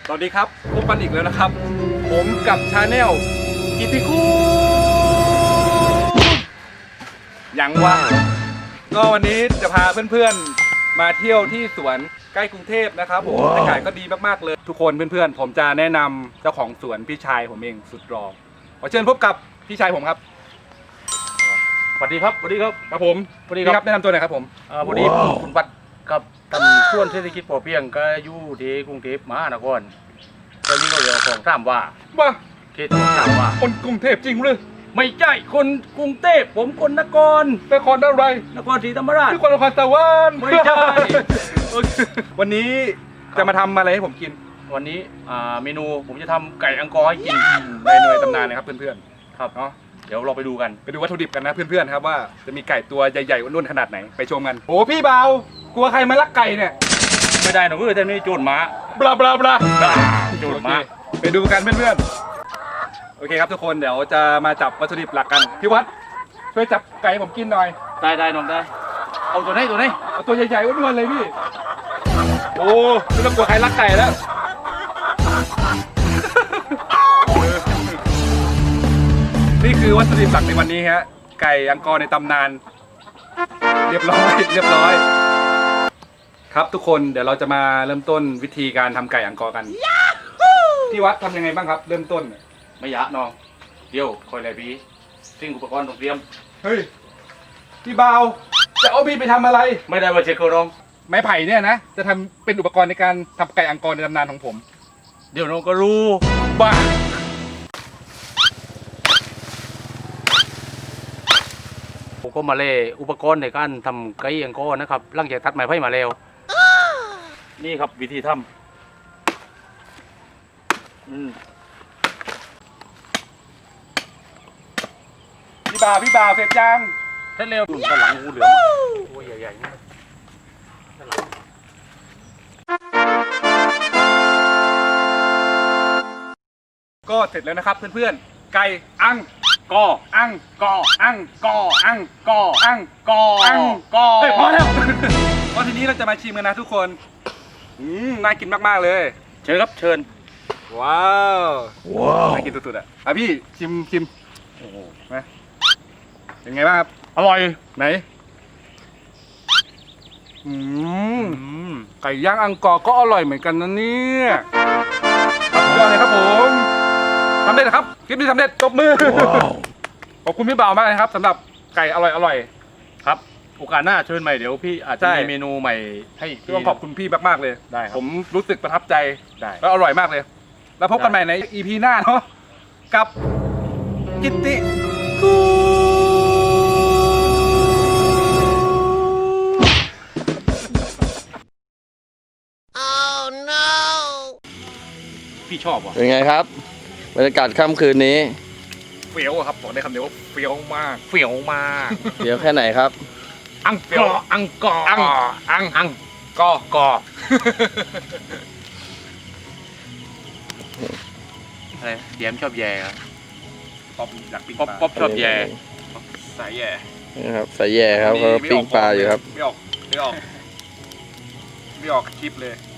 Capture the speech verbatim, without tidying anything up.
สวัสดีครับพบกันอีกแล้วนะครับผมกับชาแนลกิติคูยังว่าก็วันนี้จะพาเพื่อนๆมาเที่ยวที่สวนใกล้กรุงเทพนะครับผมบรรยากาศก็ดีมากๆเลยทุกคนเพื่อนๆผมจะแนะนำเจ้าของสวนพี่ชายผมเองสุดรอขอเชิญพบกับพี่ชายผมครับสวัสดีครับสวัสดีครับครับผมสวัสดีครับแนะนำตัวหน่อยครับผมอ่าพอดีคุณปัดกับทำส่วนเศรษฐกิจพอเพียงก็อยู่ที่กรุงเทพมหานครตอนนี้ก็เรียกของถามว่าว่าเขตของถามว่าคนกรุงเทพจริงหรือไม่ใช่คนกรุงเทพผมคนนครนครอะไรนครศรีธรรมราชนครนครสวรรค์ไม่ใช่วันนี้จะมาทำอะไรให้ผมกินวันนี้อ่าเมนูผมจะทำไก่อังกอร์ให้กินในเนยตำนานนะครับเพื่อนๆครับเนาะเดี๋ยวเราไปดูกันไปดูวัตถุดิบกันนะเพื่อนๆครับว่าจะมีไก่ตัวใหญ่ๆอ้วนๆขนาดไหนไปชมกันโอ้พี่เบากลัวใครมาลักไก่เนี่ยไม่ได้หนูเพื่อนแต่นี่โจรม้าบลาบลาบลาโจรม้าไปดูกันเพื่อนๆโอเคครับทุกคนเดี๋ยวจะมาจับวัตถุดิบหลักกันพี่วัดช่วยจับไก่ผมกินหน่อยได้ได้น้องได้เอาตัวไหนตัวไหนเอาตัวใหญ่ๆอ้วนๆเลยพี่โอ้ไม่ต้องกลัวใครลักไก่แล้วนี่คือวัตถุดิบหลักในวันนี้ฮะไก่อังกอร์ในตำนานเรียบร้อยเรียบร้อยครับทุกคนเดี๋ยวเราจะมาเริ่มต้นวิธีการทำไก่อังกอร์กันพี่วัดทำยังไงบ้างครับเริ่มต้นไม่ยะน้องเดี๋ยวคอยอะไรพี่สิ่งอุปกรณ์ต้องเตรียมเฮ้ยพี่เบาจะเอาพี่ไปทำอะไรไม่ได้มาเช็คกระรองไม้ไผ่เนี่ยนะจะทำเป็นอุปกรณ์ในการทำไก่อังกอร์ในตำนานของผมเดี๋ยวน้องก็รู้บ้าผมก็มาเล่อุปกรณ์ในการทำไก่อังกอร์นะครับหลังจากตัดไม้ไผ่มาแล้วนี่ครับวิธีทำอืมพี่บ่าวพี่บ่าวเสร็จยังเสร็จเร็วด้านหลังงูเหลือมตัวใหญ่ๆนี่ด้านหลังก็เสร็จแล้วนะครับเพื่อนๆไก่อังกออังกออังกออังกออังกออังกอเฮ้ยพอแล้วก็ทีนี้เราจะมาชิมกันนะทุกคนอืมน่ากินมากๆเลยเชิญครับเชิญว้าวว้าวน่ากินสุดๆอ่ะอ่ะพี่ชิมชิมโอ้โหนะเป็นไงบ้างครับอร่อยไหนอืมไก่ย่างอังกอร์ก็อร่อยเหมือนกันนะเนี่ยสุดยอดเลยครับผมทำได้นะครับคลิปนี้สำเร็จตบมือขอบคุณพี่บ่าวมากนะครับสำหรับไก่อร่อยอร่อยครับโอกาสหน้าเชิญใหม่เดี๋ยวพี่อาจจะมีเมนูใหม่ให้พี่ต้องขอบคุณพี่มากๆเลยได้ครับผมรู้สึกประทับใจได้แล้วอร่อยมากเลยแล้วพบกันใหม่ใน อี พี หน้าเนาะกับกิตติกูพี่ชอบว่ะเป็นไงครับบรรยากาศค่ำคืนนี้เฟี้ยวครับบอกได้คำเดียวว่าเฟี้ยวมากเฟี้ยวมากเฟี้ยวแค่ไหนครับอังกออังกออังอังอังกอกออะไรเยี่ยมชอบแย่ครับป๊อปอยากปิ้งป๊อปป๊อปชอบแย่สายแย่นะครับสายแย่ครับเขาปิ้งปลาอยู่ครับไม่ออกไม่ออกไม่ออกคลิปเลย